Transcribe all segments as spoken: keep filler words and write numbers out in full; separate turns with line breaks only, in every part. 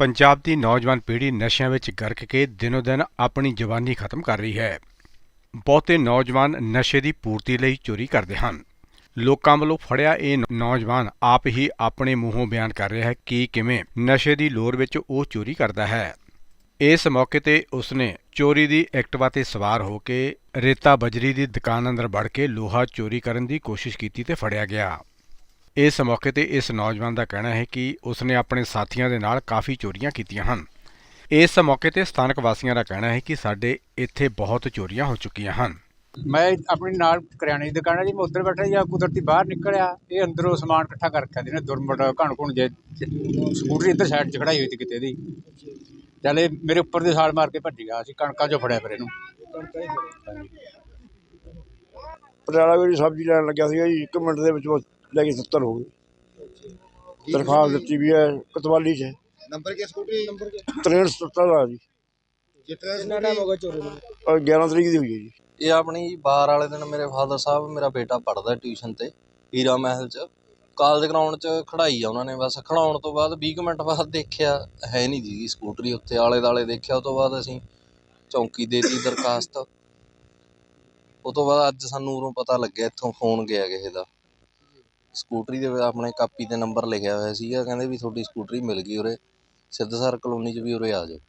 ਪੰਜਾਬ ਦੀ ਨੌਜਵਾਨ ਪੀੜ੍ਹੀ ਨਸ਼ਿਆਂ ਵਿੱਚ ਗਰਕ ਕੇ ਦਿਨੋ ਦਿਨ ਆਪਣੀ ਜਵਾਨੀ ਖਤਮ ਕਰ ਰਹੀ ਹੈ। ਬਹੁਤੇ ਨੌਜਵਾਨ ਨਸ਼ੇ ਦੀ ਪੂਰਤੀ ਲਈ ਚੋਰੀ ਕਰਦੇ ਹਨ। ਲੋਕਾਂ ਵੱਲੋਂ ਫੜਿਆ ਇਹ ਨੌਜਵਾਨ ਆਪ ਹੀ ਆਪਣੇ ਮੂੰਹੋਂ ਬਿਆਨ ਕਰ ਰਿਹਾ ਹੈ ਕਿ ਕਿਵੇਂ ਨਸ਼ੇ ਦੀ ਲੋਰ ਵਿੱਚ ਉਹ ਚੋਰੀ ਕਰਦਾ ਹੈ। ਇਸ ਮੌਕੇ ਤੇ ਉਸਨੇ ਚੋਰੀ ਦੀ ਐਕਟਿਵਾ ਤੇ ਸਵਾਰ ਹੋ ਕੇ ਰੇਤਾ ਬਜਰੀ ਦੀ ਦੁਕਾਨ ਅੰਦਰ ਵੜ ਕੇ ਲੋਹਾ ਚੋਰੀ ਕਰਨ ਦੀ ਕੋਸ਼ਿਸ਼ ਕੀਤੀ ਤੇ ਫੜਿਆ ਗਿਆ। ਇਸ ਮੌਕੇ ਤੇ ਇਸ ਨੌਜਵਾਨ ਦਾ ਕਹਿਣਾ ਹੈ ਕਿ ਉਸਨੇ ਆਪਣੇ ਸਾਥੀਆਂ ਦੇ ਨਾਲ ਕਾਫੀ ਚੋਰੀਆਂ ਕੀਤੀਆਂ ਹਨ। ਇਸ ਮੌਕੇ ਤੇ ਸਥਾਨਕ ਵਾਸੀਆਂ ਦਾ ਕਹਿਣਾ ਹੈ ਕਿ ਸਾਡੇ ਇੱਥੇ ਬਹੁਤ ਚੋਰੀਆਂ ਹੋ ਚੁੱਕੀਆਂ ਹਨ।
ਮੈਂ ਆਪਣੀ ਨਾਲ ਕਰਿਆਨੇ ਦੀ ਦੁਕਾਨ ਹੈ ਜੀ, ਮੈਂ ਉੱਧਰ ਬੈਠਾ ਜਾਂ ਕੁਦਰਤੀ ਬਾਹਰ ਨਿਕਲਿਆ, ਇਹ ਅੰਦਰੋਂ ਸਮਾਨ ਇਕੱਠਾ ਕਰ ਰੱਖਿਆ ਜਿਹਨੇ ਦੁਰਮਟ ਘਣ ਘੁਣ ਜੇ ਸਕੂਟਰੀ ਇੱਧਰ ਸਾਈਡ 'ਚ ਖੜਾਈ ਹੋਈ ਸੀ ਕਿਤੇ ਦੀ, ਚੱਲ ਇਹ ਮੇਰੇ ਉੱਪਰ ਦੀ ਛਾਲ ਮਾਰ ਕੇ ਭੱਜ ਗਿਆ। ਅਸੀਂ ਕਣਕਾਂ 'ਚੋਂ ਫੜਿਆ ਫਿਰ ਇਹਨੂੰ।
ਪਟਿਆਲਾ ਵਿੱਚ ਸਬਜ਼ੀ ਲੈਣ ਲੱਗਿਆ ਸੀਗਾ ਜੀ, ਇੱਕ ਮਿੰਟ ਦੇ ਵਿੱਚ ਲੈ ਕੇ ਸੱਤਰ ਹੋ ਗਏ। ਦਰਖਾਸਤ ਦਿੱਤੀ ਵੀ ਹੈ ਕਤਵਾਲੀ 'ਚ।
ਨੰਬਰ ਕੀ ਸਕੂਟਰੀ ਨੰਬਰ
ਤਰੇਂਹਠ ਸੱਤਰ ਦਾ ਜੀ।
ਕਿੰਨਾ ਟਾਈਮ ਹੋ ਗਿਆ ਚੋਰੀ ਨੂੰ?
ਗਿਆਰਾਂ ਤਰੀਕ ਦੀ ਹੋਈ ਹੈ ਜੀ।
ਇਹ ਆਪਣੀ ਬਾਰ ਵਾਲੇ ਦਿਨ ਮੇਰੇ ਫਾਦਰ ਸਾਹਿਬ, ਮੇਰਾ ਬੇਟਾ ਪੜ੍ਹਦਾ ਟਿਊਸ਼ਨ 'ਤੇ ਹੀਰਾ ਮਹਿਲ 'ਚ, ਕਾਲਜ ਗਰਾਊਂਡ 'ਚ ਖੜਾਈ ਆ ਉਹਨਾਂ ਨੇ। ਬਸ ਖੜਾਉਣ ਤੋਂ ਬਾਅਦ ਵੀਹ ਕੁ ਮਿੰਟ ਬਾਅਦ ਦੇਖਿਆ ਹੈ ਨਹੀਂ ਜੀ ਸਕੂਟਰੀ ਉੱਥੇ, ਆਲੇ ਦੁਆਲੇ ਦੇਖਿਆ। ਉਹ ਤੋਂ ਬਾਅਦ ਅਸੀਂ ਚੌਂਕੀ ਦੇ ਦਿੱਤੀ ਦਰਖਾਸਤ। ਉਹ ਤੋਂ ਬਾਅਦ ਅੱਜ ਸਾਨੂੰ ਉਰੋਂ ਪਤਾ ਲੱਗਿਆ, ਇੱਥੋਂ ਫੋਨ ਗਿਆ ਕਿਸੇ ਦਾ, ਸਕੂਟਰੀ ਦੇ ਆਪਣੇ ਕਾਪੀ 'ਤੇ ਨੰਬਰ ਲਿਖਿਆ ਹੋਇਆ ਸੀਗਾ, ਕਹਿੰਦੇ ਵੀ ਤੁਹਾਡੀ ਸਕੂਟਰੀ ਮਿਲ ਗਈ ਉਰੇ ਸਿੱਧਸਰ ਕਲੋਨੀ 'ਚ, ਵੀ ਉਰੇ ਆ ਜਾਓ।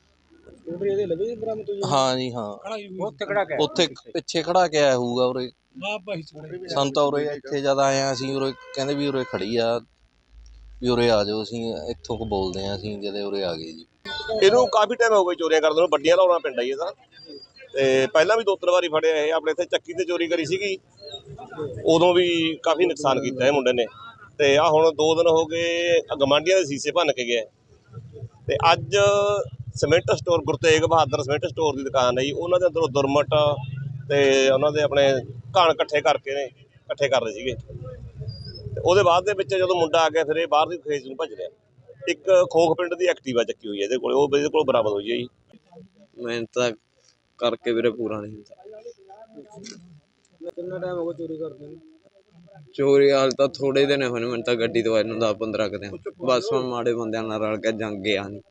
ਹਾਂ ਜੀ ਹਾਂ, ਉੱਥੇ ਪਿੱਛੇ ਖੜਾ ਕੇ ਆਇਆ ਹੋਊਗਾ ਉਰੇ। ਸਾਨੂੰ ਤਾਂ ਉਰੇ ਇੱਥੇ ਜਦ ਆਏ ਹਾਂ ਅਸੀਂ, ਉਰੇ ਕਹਿੰਦੇ ਵੀ ਉਰੇ ਖੜੀ ਆ, ਵੀ ਉਰੇ ਆ ਜਾਓ, ਅਸੀਂ ਇੱਥੋਂ ਕੁ ਬੋਲਦੇ ਹਾਂ ਅਸੀਂ, ਜਦੇ ਉਰੇ ਆ ਗਏ ਜੀ।
ਇਹਨੂੰ ਕਾਫੀ ਟਾਈਮ ਹੋ ਗਿਆ ਚੋਰੀਆਂ ਕਰਦੇ ਨੂੰ, ਵੱਡੀਆਂ ਲਾਉਣਾ ਪਿੰਡ ਆਈ ਇਹਦਾ। ਤੇ ਪਹਿਲਾਂ ਵੀ ਦੋ ਤਿੰਨ ਵਾਰੀ ਫੜਿਆ ਇਹ। ਆਪਣੇ ਇੱਥੇ ਚੱਕੀ ਤੇ ਚੋਰੀ ਕਰੀ ਸੀਗੀ, ਉਦੋਂ ਵੀ ਕਾਫੀ ਨੁਕਸਾਨ ਕੀਤਾ ਇਹ ਮੁੰਡੇ ਨੇ। ਤੇ ਆਹ ਹੁਣ ਦੋ ਦਿਨ ਹੋ ਗਏ ਗਵਾਂਢੀਆਂ ਦੇ ਸੀਸੇ ਭੰਨ ਕੇ ਗਿਆ। ਤੇ ਅੱਜ cement store, Guru Tegh Bahadur cement store ਦੀ ਦੁਕਾਨ ਹੈ ਜੀ, ਉਹਨਾਂ ਦੇ ਅੰਦਰੋਂ ਦੁਰਮਟ ਤੇ ਉਹਨਾਂ ਦੇ ਆਪਣੇ ਘਣ ਇਕੱਠੇ ਕਰਕੇ ਨੇ ਇਕੱਠੇ ਕਰ ਰਹੇ ਸੀਗੇ। ਤੇ ਉਹਦੇ ਬਾਅਦ ਦੇ ਵਿੱਚ ਜਦੋਂ ਮੁੰਡਾ ਆ ਗਿਆ, ਫਿਰ ਇਹ ਬਾਹਰ ਦੀ ਖੇਤ ਨੂੰ ਭੱਜ ਰਿਹਾ। ਇੱਕ ਖੋਖ ਪਿੰਡ ਦੀ ਐਕਟਿਵਾ ਚੱਕੀ ਹੋਈ ਹੈ ਇਹਦੇ ਕੋਲ, ਉਹ ਇਹਦੇ ਕੋਲ ਬਰਾਮਦ ਹੋਈ ਹੈ ਜੀ।
ਮਿਹਨਤ ਤਾਂ ਕਰਕੇ ਵੀਰੇ ਪੂਰਾ ਨਹੀਂ ਹੁੰਦਾ।
ਕਿੰਨਾ ਟਾਈਮ ਹੋ ਗਿਆ ਚੋਰੀ ਕਰਦੇ ਨੂੰ?
ਚੋਰੀ ਹਾਲ ਤਾਂ ਥੋੜੇ ਦਿਨ ਹੋਏ ਨੇ ਮੈਨੂੰ ਤਾਂ, ਗੱਡੀ ਤੋਂ ਆਏ ਨੂੰ ਦਸ ਪੰਦਰਾਂ ਕੁ ਦਿਨ। ਬਸ ਮੈਂ ਮਾੜੇ ਬੰਦਿਆਂ ਨਾਲ ਰਲ ਕੇ ਜੰਗ ਗਿਆ ਨਹੀਂ।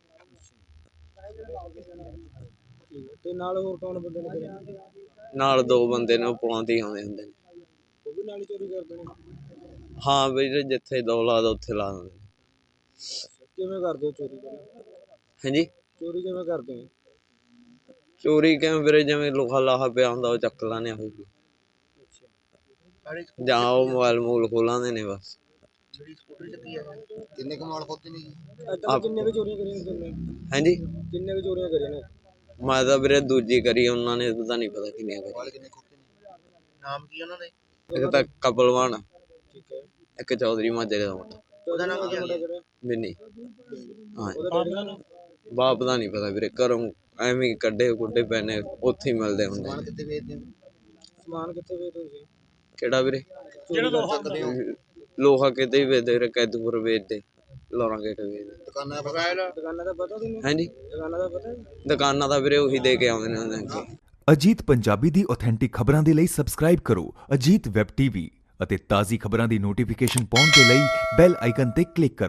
ਤੇ ਨਾਲ ਹੋਰ ਕੌਣ ਬੰਦੇ ਨੇ?
ਨਾਲ ਦੋ ਬੰਦੇ ਨੇ, ਉਹ ਪੁਲਾਂ ਤੇ ਹੀ ਆਉਂਦੇ ਹੁੰਦੇ ਨੇ।
ਉਹ ਵੀ ਨਾਲ ਹੀ ਚੋਰੀ ਕਰਦੇ ਨੇ?
ਹਾਂ ਵੀਰੇ, ਜਿੱਥੇ ਦੋ ਲਾ ਦੋ ਉੱਥੇ ਲਾ ਦਿੰਦੇ ਨੇ।
ਕਿਵੇਂ ਕਰਦੇ ਹੋ ਚੋਰੀ?
ਹਾਂਜੀ,
ਚੋਰੀ ਕਿਵੇਂ ਕਰਦੇ ਹੋ?
ਚੋਰੀ ਕਿਵੇਂ ਵੀਰੇ, ਜਿਵੇਂ ਲੋਹਾ ਲਾਹਾ ਪਿਆ ਹੁੰਦਾ ਉਹ ਚੱਕ ਲਾਣੇ ਹੋਊਗੀ, ਜਾਂ ਉਹ ਮੋਬਾਈਲ ਮੂਲ ਖੋਲਾਂਦੇ ਨੇ ਬਸ।
ਕਿੰਨੇ ਕੁ ਮਾਲ ਖੋਤੇ ਨੇ? ਕਿੰਨੇ ਕੁ ਚੋਰੀਆਂ ਕਰੀਆਂ ਨੇ?
ਹਾਂਜੀ,
ਕਿੰਨੇ ਕੁ ਚੋਰੀਆਂ ਕਰੀਆਂ ਨੇ?
ਮੈਂ ਤਾਂ ਵੀਰੇ ਦੂਜੀ ਕਰੀ, ਉਹਨਾਂ ਨੇ ਤਾਂ ਨਹੀਂ ਪਤਾ ਕਿੰਨੀਆਂ ਕਰੀ।
ਨਾਮ ਕੀ ਉਹਨਾਂ ਦੇ?
ਇੱਕ ਤਾਂ ਕਪਲਵਾਨ,
ਠੀਕ ਹੈ,
ਇੱਕ ਚੌਧਰੀ ਮਾਜਰੇ ਦਾ ਮੁੰਡਾ।
ਉਹਦਾ ਨਾਮ ਕੀ ਹੈ?
ਮਿੰਨੀ। ਹਾਂ,
ਉਹਦਾ
ਬਾਪ ਦਾ ਨਹੀਂ ਪਤਾ ਵੀਰੇ, ਘਰੋਂ ਐਵੇਂ ਹੀ ਕੱਢੇ ਕੁੱਡੇ ਪੈਣੇ, ਉੱਥੇ ਹੀ ਮਿਲਦੇ ਹੁੰਦੇ।
ਸਮਾਨ ਕਿੱਥੇ ਵੇਚਦੇ ਹੋ? ਸਮਾਨ ਕਿੱਥੇ ਵੇਚਦੇ ਹੋ?
ਕਿਹੜਾ ਵੀਰੇ? ਲੋਹਾ ਕਿਤੇ ਹੀ ਵੇਚਦੇ ਵੀਰੇ, ਕੈਦੂਪੁਰ ਵੇਚਦੇ, ਲੋਰਾਂ ਗੇਟ ਵੇਚਦੇ।
ਦੁਕਾਨਾਂ ਦੁਕਾਨਾਂ ਦਾ ਪਤਾ ਤੁਹਾਨੂੰ?
ਹਾਂਜੀ,
ਦੁਕਾਨਾਂ ਦਾ ਪਤਾ?
ਦੁਕਾਨਾਂ ਦਾ ਵੀਰੇ ਉਹੀ ਦੇ ਕੇ ਆਉਂਦੇ ਨੇ ਉਹਨਾਂ।
ਅਜੀਤ ਪੰਜਾਬੀ ਦੀ ਆਥੈਂਟਿਕ ਖਬਰਾਂ ਦੇ ਲਈ ਸਬਸਕ੍ਰਾਈਬ ਕਰੋ ਅਜੀਤ ਵੈਬ ਟੀਵੀ ਅਤੇ ਤਾਜ਼ੀ ਖਬਰਾਂ ਦੀ ਨੋਟੀਫਿਕੇਸ਼ਨ ਪਾਉਣ ਦੇ ਲਈ ਬੈਲ ਆਈਕਨ ਤੇ ਕਲਿੱਕ ਕਰੋ।